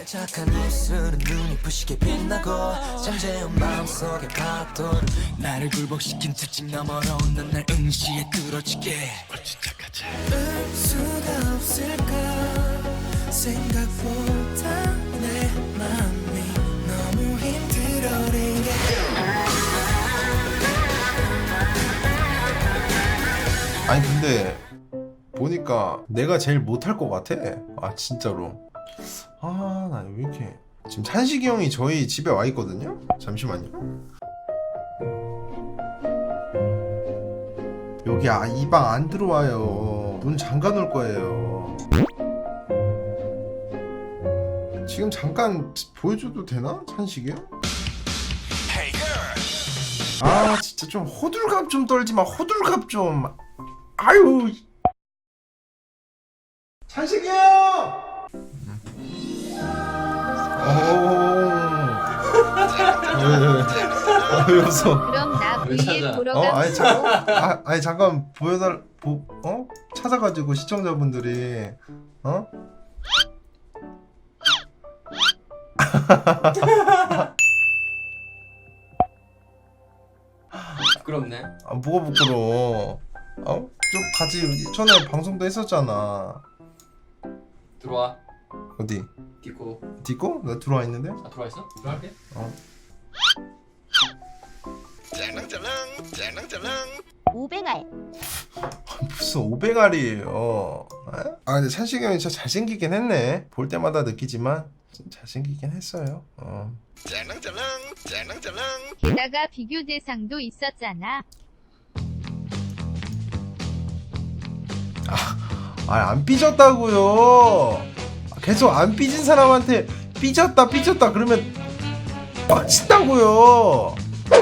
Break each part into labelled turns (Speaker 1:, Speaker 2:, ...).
Speaker 1: 착한 입술은 눈이 부시게 빛나고 잠재운 마음속의 파도를 나를 굴복시킨 특징 너머로 넌 날 응시에 끌어지게 울 수가 없을까 생각보다 내 맘이 너무 힘들어리게
Speaker 2: 아니 근데 보니까 내가 제일 못할 것 같아. 아 진짜로. 아 나 왜 이렇게 지금 찬식이 형이 저희 집에 와 있거든요. 잠시만요. 여기 이 방 안 들어와요. 문 잠가 놓을 거예요. 지금 잠깐 보여줘도 되나? 찬식이 형? 아 진짜 좀 호들갑 좀 떨지 마. 호들갑 좀. 아유. 찬식이 형! 왜 웃어?
Speaker 3: 그럼 나
Speaker 4: 왜
Speaker 3: V에
Speaker 4: 찾아?
Speaker 3: 보러
Speaker 2: 아니
Speaker 3: 가면
Speaker 2: 아니 잠깐 찾아가지고 시청자분들이
Speaker 4: 부끄럽네.
Speaker 2: 뭐가 부끄러워? 좀 같이 전에 방송도 했었잖아.
Speaker 4: 들어와.
Speaker 2: 어디?
Speaker 4: 디코.
Speaker 2: 디코? 나 들어와 있는데?
Speaker 4: 아 들어와 있어? 들어갈게.
Speaker 1: 짤랑짤랑
Speaker 3: 500알
Speaker 2: 무슨 500알이에요. 아 근데 찬식이 형이 진짜 잘생기긴 했네. 볼 때마다 느끼지만 좀 잘생기긴 했어요.
Speaker 1: 짤랑짤랑
Speaker 3: 게다가 비교 대상도 있었잖아.
Speaker 2: 안 삐졌다고요. 계속 안 삐진 사람한테 삐졌다 그러면 빡친다고요.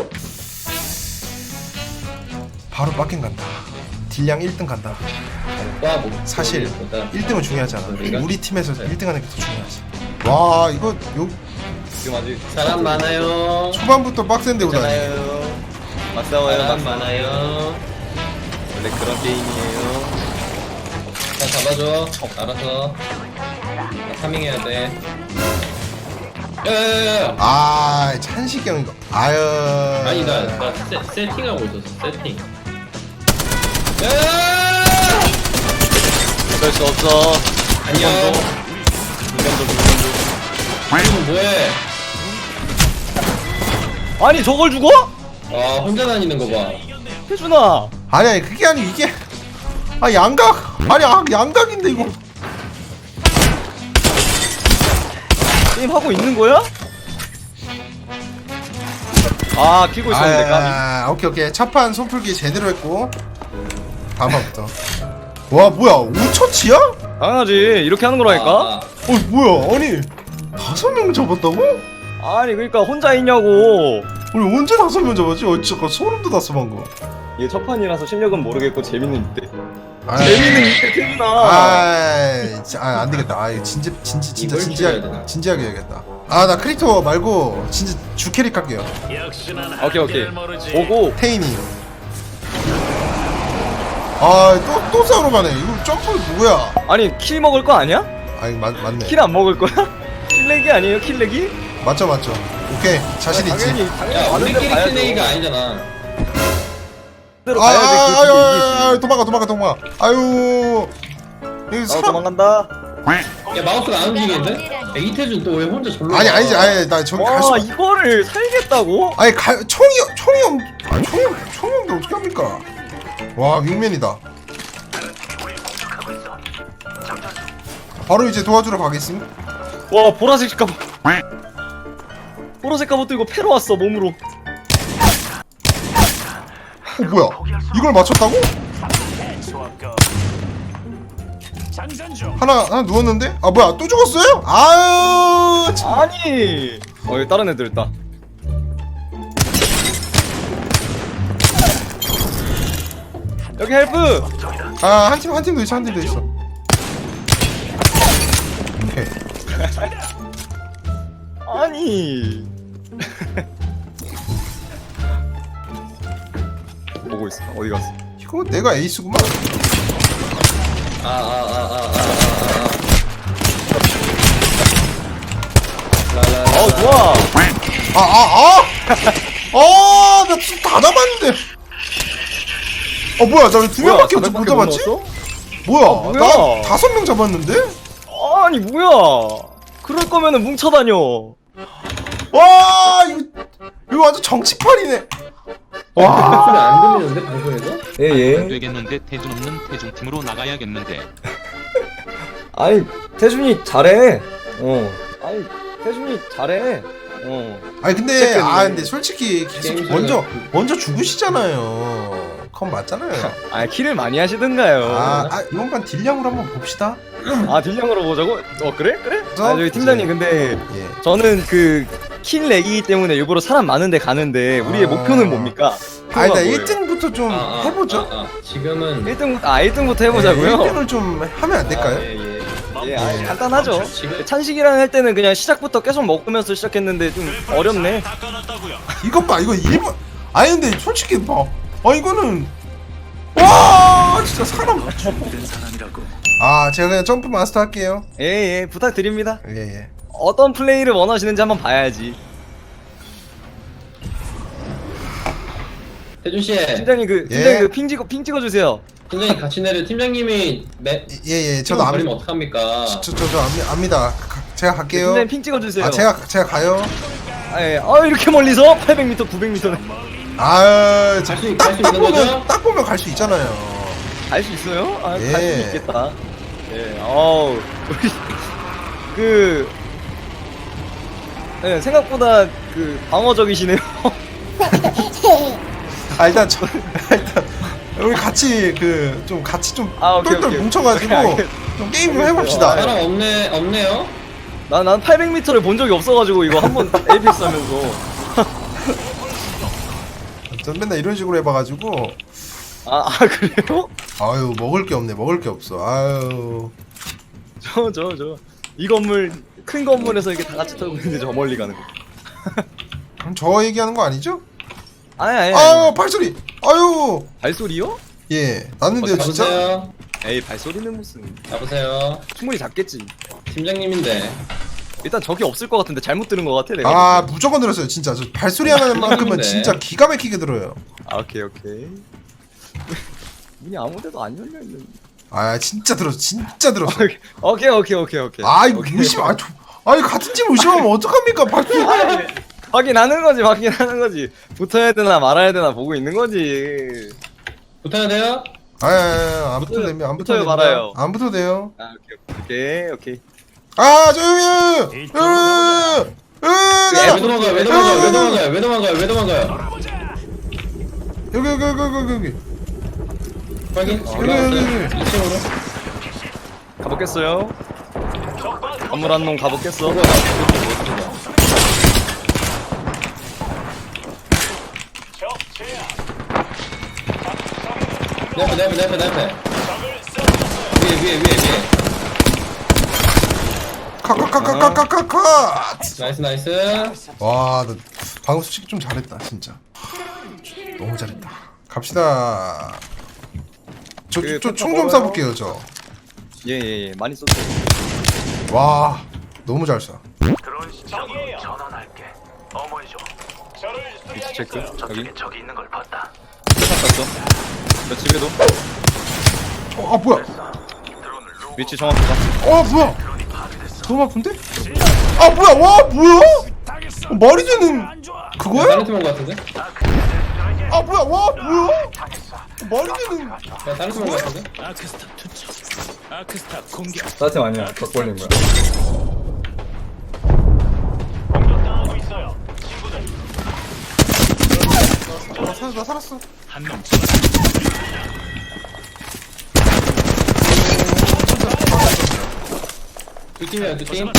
Speaker 2: 바로 빡긴 간다. 딜량 1등 간다.
Speaker 4: 와 뭐.
Speaker 2: 사실 1등은 중요하지 않아.
Speaker 4: 우리가?
Speaker 2: 우리 팀에서 1등 하는 게 더 중요하지. 와 이거
Speaker 4: 지금 아직 사람 많아요.
Speaker 2: 초반부터 빡센데 오다니.
Speaker 4: 많아요. 맞싸워요. 사람 많아요. 원래 그런 게임이에요. 다 잡아줘. 알아서. 나 파밍해야 돼. 야야야야.
Speaker 2: 아 찬식이 형 이거 아유.
Speaker 4: 아니 나 세팅하고 있었어. 세팅. 야야야야.
Speaker 5: 어쩔 수 없어.
Speaker 4: 안녕. 지금 뭐해?
Speaker 5: 아니 저걸 죽어?
Speaker 4: 아 혼자 다니는 거 봐.
Speaker 5: 혜준아.
Speaker 2: 아니 그게 아니고 이게 양각 아니 양각인데 이거.
Speaker 5: 게임 하고 있는 거야? 아 키고 있었는데 까비.
Speaker 2: 오케이 첫판 손풀기 제대로 했고 다음 판부터. 와 뭐야 5처치야?
Speaker 5: 당연하지 이렇게 하는 거라니까.
Speaker 2: 뭐야 아니 5명 잡았다고?
Speaker 5: 아니 그러니까 혼자 있냐고.
Speaker 2: 우리 언제 5명 잡았지? 잠깐 소름 돋았어 방금.
Speaker 5: 이게 첫 판이라서 실력은 모르겠고 재밌는 이때.
Speaker 2: 아이.
Speaker 5: 재밌는 이때 혜준아.
Speaker 2: 안 되겠다. 이거 진짜
Speaker 4: 이걸 찍어야 되나?
Speaker 2: 진지하게 해야겠다. 나 크리토 말고 진짜 주캐릭 할게요.
Speaker 5: 오케이 보고.
Speaker 2: 테이니. 또 싸우러 가네. 이거 점프 누구야?
Speaker 5: 아니 킬 먹을 거 아니야?
Speaker 2: 아니 맞네.
Speaker 5: 킬 안 먹을 거야? 킬렉이 아니에요 킬렉이?
Speaker 2: 맞죠. 오케이 자신 있지.
Speaker 5: 당연히
Speaker 4: 야
Speaker 5: 가는 데
Speaker 4: 우리끼리
Speaker 5: 가야죠.
Speaker 4: 킬레이가 아니잖아.
Speaker 5: 대로 가야지 그
Speaker 2: 도망가. 아유. 여기 사람.
Speaker 5: 도망간다.
Speaker 4: 야 마우스가 안 움직이는데? 야 이태준 또 왜 혼자 절로
Speaker 2: 아니지. 나 저기 갈 수.
Speaker 5: 와 이거를 살겠다고?
Speaker 2: 아니 총이 없는데 어떻게 합니까? 와 윙맨이다. 바로 이제 도와주러 가겠습니다.
Speaker 5: 와 보라색 갑옷. 보라색 갑옷 들고 패러 왔어 몸으로.
Speaker 2: 뭐야? 이걸 맞췄다고? 하나 누웠는데? 뭐야 또 죽었어요? 아유 참.
Speaker 5: 아니. 여기 다른 애들 있다. 여기 헬프.
Speaker 2: 한 팀도 있어. 오케이.
Speaker 5: 아니. 보고 있어. 어디 갔어?
Speaker 2: 이거 내가 에이스구만.
Speaker 5: 좋아.
Speaker 2: 나 지금 다 잡았는데. 뭐야, 나 왜 두 명밖에 못 잡았지? 뭐야,
Speaker 5: 뭐야?
Speaker 2: 나 5명 잡았는데?
Speaker 5: 아니 뭐야? 그럴 거면은 뭉쳐 다녀.
Speaker 2: 와, 이거 완전 정치판이네. 와,
Speaker 4: 소리 안 들리는데 방송에서?
Speaker 5: 예예.
Speaker 6: 되겠는데 태준 없는 태준팀으로 나가야겠는데.
Speaker 5: 아니 태준이 잘해. 아니 태준이 잘해.
Speaker 2: 아니 근데
Speaker 5: 체크했네.
Speaker 2: 근데 솔직히 계속
Speaker 4: 게임
Speaker 2: 먼저 죽으시잖아요. 그건 맞잖아요.
Speaker 5: 아 킬을 많이 하시던가요.
Speaker 2: 이번 판 딜량으로 한번 봅시다.
Speaker 5: 딜량으로 보자고? 그래?
Speaker 2: 그래서
Speaker 5: 저기 팀장님 근데
Speaker 2: 예.
Speaker 5: 저는 그 킬 내기 때문에 일부러 사람 많은데 가는데 우리의 목표는 뭡니까?
Speaker 2: 나
Speaker 5: 뭐예요?
Speaker 2: 1등부터 좀 해보죠.
Speaker 4: 지금은
Speaker 5: 1등부터 해보자고요?
Speaker 2: 1등을 좀 하면 안 될까요?
Speaker 5: 예, 간단하죠.
Speaker 4: 지금
Speaker 5: 찬식이랑 할 때는 그냥 시작부터 계속 먹으면서 시작했는데 좀 어렵네.
Speaker 2: 이것 봐, 이거 1번. 아니 근데 솔직히 봐. 이거는 와 진짜 사람. 제가 그냥 점프 마스터 할게요.
Speaker 5: 예, 부탁드립니다.
Speaker 2: 예.
Speaker 5: 어떤 플레이를 원하시는지 한번 봐야지.
Speaker 4: 태준 씨,
Speaker 5: 팀장님 팀장님 핑 찍어주세요.
Speaker 4: 팀장님 같이 내려. 팀장님이
Speaker 2: 예. 저도
Speaker 4: 버리면 어떡합니까?
Speaker 2: 저도 압니다. 제가 갈게요.
Speaker 5: 팀장님 핑 찍어주세요.
Speaker 2: 제가 가요.
Speaker 5: 이렇게 멀리서 800m, 900m네.
Speaker 4: 수 있는 거죠?
Speaker 2: 딱 보면 갈 수 있잖아요.
Speaker 5: 갈 수 있어요?
Speaker 2: 예.
Speaker 5: 갈 수 있겠다. 예, 생각보다 방어적이시네요.
Speaker 2: 일단 우리 같이 좀
Speaker 5: 오케이,
Speaker 2: 똘똘
Speaker 5: 오케이.
Speaker 2: 뭉쳐가지고
Speaker 5: 오케이.
Speaker 2: 좀 게임 좀 해봅시다.
Speaker 4: 사람 없네요.
Speaker 5: 난 800m를 본 적이 없어가지고 이거 한번 에이펙스 하면서.
Speaker 2: 전 맨날 이런 식으로 해봐가지고
Speaker 5: 그래요?
Speaker 2: 먹을 게 없어.
Speaker 5: 이 건물 큰 건물에서 이렇게 다 같이 털고 있는데 저 멀리 가는 거.
Speaker 2: 그럼 저 얘기하는 거 아니죠?
Speaker 5: 아니.
Speaker 2: 발소리.
Speaker 5: 발소리요?
Speaker 2: 예, 났는데요 진짜.
Speaker 4: 잡으세요.
Speaker 5: 에이 발소리는 무슨.
Speaker 4: 잡으세요.
Speaker 5: 충분히 작겠지.
Speaker 4: 팀장님인데.
Speaker 5: 일단 적이 없을 것 같은데 잘못 들은 것 같아 내가.
Speaker 2: 무조건 들었어요 진짜. 저 발소리 하는 만큼은 진짜 기가 막히게 들어요.
Speaker 5: 오케이. 문이 아무데도 안 열려 있는.
Speaker 2: 진짜 들었어.
Speaker 5: 오케이.
Speaker 2: 이거 의심 같은 팀 의심하면 어떡합니까? 발소리.
Speaker 5: 확인하는 거지. 붙어야 되나 말아야 되나 보고 있는 거지.
Speaker 4: 붙어야 돼요?
Speaker 2: 안 붙어도 됩니다. 안 붙어도
Speaker 5: 붙어요, 말아요.
Speaker 2: 됩니다. 안 붙어도 돼요.
Speaker 5: 오케이.
Speaker 2: 조용히.
Speaker 4: 왜 도망가요?
Speaker 2: 여기.
Speaker 4: 확인.
Speaker 2: 여기.
Speaker 4: 2층으로.
Speaker 5: 가보겠어요. 건물 한 놈 가보겠어.
Speaker 4: 내 앞에. 위에.
Speaker 2: 카카카카카카카.
Speaker 4: 나이스.
Speaker 2: 나 방금 솔직히 좀 잘했다 진짜. 너무 잘했다. 갑시다. 저 총 좀 쏴볼게요 저.
Speaker 5: 예. 많이 썼어요.
Speaker 2: 와 너무 잘 쏴.
Speaker 5: 위치 체크. 여기.
Speaker 1: 저기 있는 걸 봤다.
Speaker 5: 봤어. 저 집에도.
Speaker 2: 뭐야?
Speaker 5: 위치 정확하다.
Speaker 2: 뭐야? 너무 아픈데? 뭐야? 뭐야? 말이 되는 그거야?
Speaker 4: 다른 팀 온 거 같은데?
Speaker 2: 뭐야? 뭐야? 말이 되는.
Speaker 4: 다른 팀 온 거 같은데?
Speaker 5: 따뜻 아니야. 덕벌린 거야.
Speaker 2: 나 살았어.
Speaker 4: 두 팀이야, 두 팀.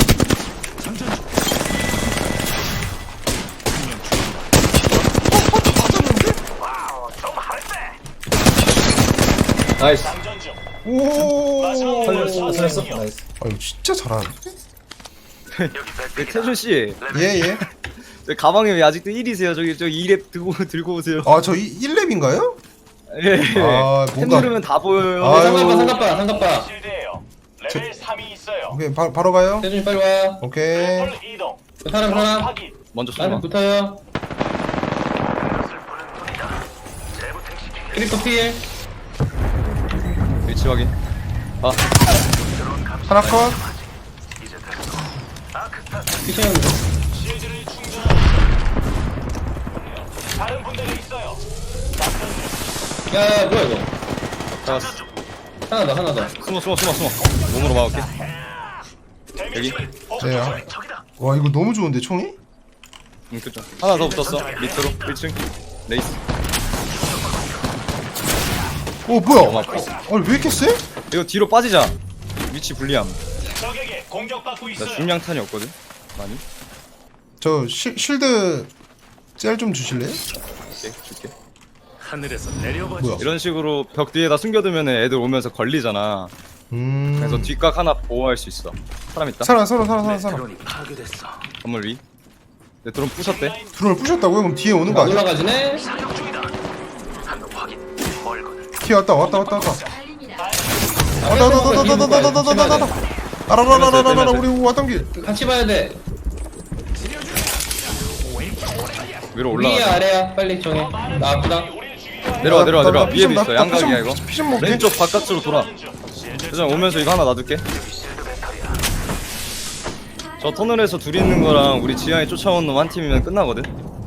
Speaker 5: 나이스.
Speaker 2: 오.
Speaker 5: 살렸어? 나이스.
Speaker 2: 이거 진짜 잘하네.
Speaker 5: 태준 씨,
Speaker 2: 예.
Speaker 5: 가방에 왜 아직도 1이세요? 저기 2랩 들고 오세요.
Speaker 2: 저 1렙인가요?
Speaker 5: 예.
Speaker 2: 뭔가
Speaker 5: 템 누르면 다 보여요.
Speaker 2: 아유.
Speaker 4: 상갑바.
Speaker 1: 실드예요. 레벨 3이 있어요.
Speaker 2: 오케이 바로 가요.
Speaker 4: 태준이 빨리 와.
Speaker 2: 오케이.
Speaker 4: 사람.
Speaker 5: 먼저
Speaker 4: 나한테
Speaker 5: 쏘마.
Speaker 4: 붙어요. 크리퍼 필.
Speaker 5: 위치 확인. 아,
Speaker 2: 하나 컷.
Speaker 4: 피셔였는데. 야, 뭐야 이거?
Speaker 5: 잡았어.
Speaker 4: 하나 더.
Speaker 5: 숨어. 몸으로 막을게. 여기.
Speaker 2: 네. 와 이거 너무 좋은데 총이?
Speaker 5: 그쵸. 하나 더 붙었어. 밑으로 1층. 레이스.
Speaker 2: 오 뭐야?
Speaker 5: 맞고.
Speaker 2: 아니 왜 이렇게 세?
Speaker 5: 이거 뒤로 빠지자. 위치 불리함. 나 중량탄이 없거든. 많이.
Speaker 2: 저 실드 셀 좀 주실래요?
Speaker 5: 오케이, 줄게.
Speaker 2: 뭐야?
Speaker 5: 이런 식으로 벽 뒤에다 숨겨두면 애들 오면서 걸리잖아. 그래서 뒷각 하나 보호할 수 있어. 사람 있다.
Speaker 2: 살아.
Speaker 5: 건물 위. 내 드론 부셨대.
Speaker 2: 드론을 부셨다고요? 그럼 뒤에 오는 거
Speaker 4: 안
Speaker 2: 아니야?
Speaker 4: 올라가지네.
Speaker 2: 뒤에 왔다. 아라라라라라라라라라라 우리 왔던 길.
Speaker 4: 같이 봐야 돼.
Speaker 5: 위로
Speaker 4: 위야
Speaker 5: 올라가.
Speaker 4: 아래야. 빨리 정해. 나 아프다.
Speaker 5: 내려와.
Speaker 2: 나
Speaker 5: 위에도
Speaker 2: 나
Speaker 5: 있어. 양각이야 이거.
Speaker 2: 피 좀 먹게.
Speaker 5: 왼쪽 바깥으로 돌아. 그냥 오면서 이거 하나 놔둘게. 저 터널에서 둘이 있는 거랑 우리 지하에 쫓아온 놈 한 팀이면 끝나거든.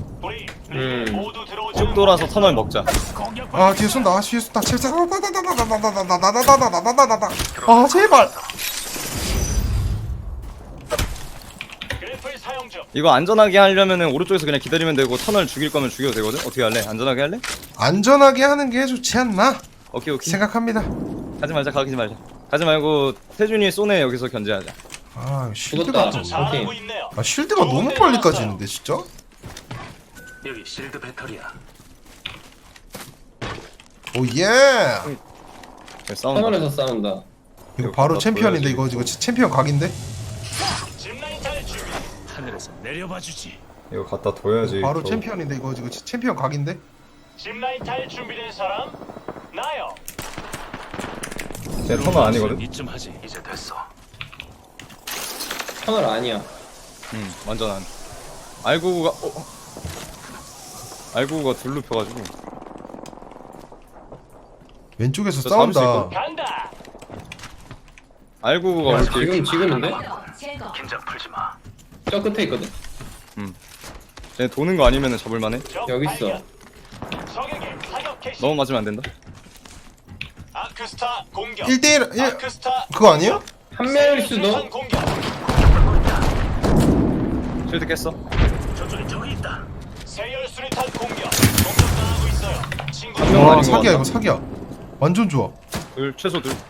Speaker 5: 쭉 돌아서 터널 먹자.
Speaker 2: 아 뒤에 쏜다. 제발. 아 제발.
Speaker 5: 이거 안전하게 하려면은 오른쪽에서 그냥 기다리면 되고 터널 죽일 거면 죽여도 되거든. 어떻게 할래? 안전하게 할래?
Speaker 2: 안전하게 하는 게 좋지 않나
Speaker 5: 오케이.
Speaker 2: 생각합니다.
Speaker 5: 가지 말자. 가지 말고 태준이 쏘네 여기서 견제하자.
Speaker 2: 아 실드가
Speaker 4: 죽었다. 오케이.
Speaker 2: 아 실드가 너무 빨리 까지는데 진짜.
Speaker 1: 여기 실드 배터리야.
Speaker 2: 오예.
Speaker 5: 그래, 싸운다.
Speaker 4: 터널에서 싸운다.
Speaker 2: 이거 바로
Speaker 5: 갖다
Speaker 2: 챔피언인데
Speaker 5: 보여야지.
Speaker 2: 이거 챔피언 각인데.
Speaker 1: 하늘에서 내려봐 주지.
Speaker 5: 이거 갖다 둬야지.
Speaker 2: 바로
Speaker 5: 저-
Speaker 2: 챔피언인데 이거 챔피언 각인데.
Speaker 7: 짚라인 탈 준비된 사람? 나요.
Speaker 5: 쟤 터널 아니거든.
Speaker 1: 이쯤 하지. 이제 됐어.
Speaker 4: 터널 아니야.
Speaker 5: 완전 안. 알구가 알구가 둘로 펴가지고.
Speaker 2: 왼쪽에서
Speaker 5: 저 잡을 수
Speaker 2: 싸운다.
Speaker 7: 간다.
Speaker 5: 알구가
Speaker 4: 야,
Speaker 5: 올게.
Speaker 4: 지금인데?
Speaker 1: 긴장 풀지 마.
Speaker 4: 저 끝에 있거든.
Speaker 5: 쟤 도는 거 아니면은 잡을만해.
Speaker 7: 적
Speaker 4: 여기 있어.
Speaker 7: 발견. 적에게 사격 개시.
Speaker 5: 너무 맞으면 안 된다.
Speaker 7: 아크스타 공격.
Speaker 2: 1대1 1
Speaker 7: 아크스타
Speaker 2: 그거 아니에요?
Speaker 4: 한 명일 수도.
Speaker 7: 수류탄 공격.
Speaker 5: 실드 깼어.
Speaker 1: 저쪽에 적이 있다.
Speaker 7: 세열 수류탄 공격. 공격당하고 있어요. 친구.
Speaker 5: 명
Speaker 2: 와
Speaker 5: 아닌 거
Speaker 2: 사기야
Speaker 5: 같다.
Speaker 2: 이거 사기야. 완전 좋아.
Speaker 5: 최소 둘.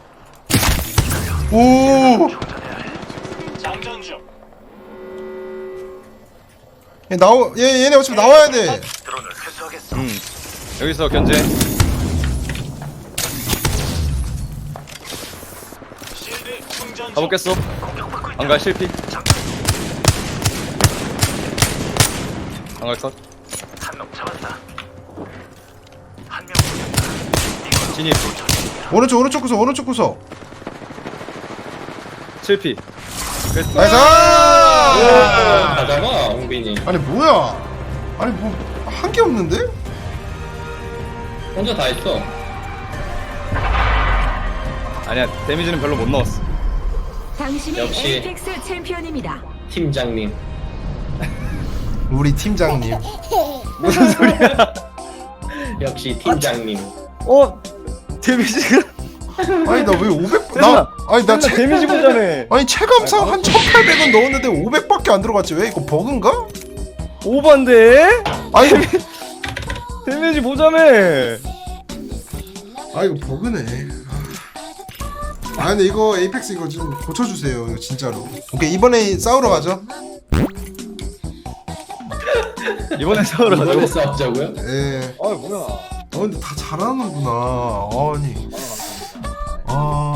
Speaker 2: 오.
Speaker 7: 장전 중.
Speaker 2: 얘네 어차피 나와야 돼.
Speaker 1: 드론을 회수하겠어.
Speaker 5: 여기서 견제.
Speaker 7: 실드 충전 중.
Speaker 5: 가보겠어. 안갈 실패. 안갈 컷.
Speaker 1: 한 명 잡았다. 한 명.
Speaker 5: 진입.
Speaker 2: 오른쪽 구석.
Speaker 5: 7피.
Speaker 2: 나이스.
Speaker 4: 다 잡아, 홍빈이.
Speaker 2: 아니 뭐야? 아니 뭐 한 게 없는데?
Speaker 4: 혼자 다 했어.
Speaker 5: 아니야 데미지는 별로 못 넣었어.
Speaker 8: 당신이
Speaker 4: 역시.
Speaker 8: 에이펙스 챔피언입니다.
Speaker 4: 팀장님.
Speaker 2: 우리 팀장님.
Speaker 5: 무슨 소리야?
Speaker 4: 역시 팀장님.
Speaker 5: 데미지가.
Speaker 2: 아니 나 왜 500?
Speaker 5: 나
Speaker 2: 아니 나
Speaker 5: 데미지 보자며.
Speaker 2: 아니 체감상 한 1,800은 넣었는데 500밖에 안 들어갔지. 왜 이거 버그인가?
Speaker 5: 오반데?
Speaker 2: 아니
Speaker 5: 데미지 보자며.
Speaker 2: 아 이거 버그네. 아 근데 이거 에이펙스 이거 좀 고쳐주세요. 이거 진짜로. 오케이 이번에 싸우러 가죠.
Speaker 5: 이번에 싸우러
Speaker 4: 이번에
Speaker 5: 가자고.
Speaker 4: 싸우자고요?
Speaker 2: 예.
Speaker 5: 아 뭐야?
Speaker 2: 근데 다 잘하는구나. 아니. 아.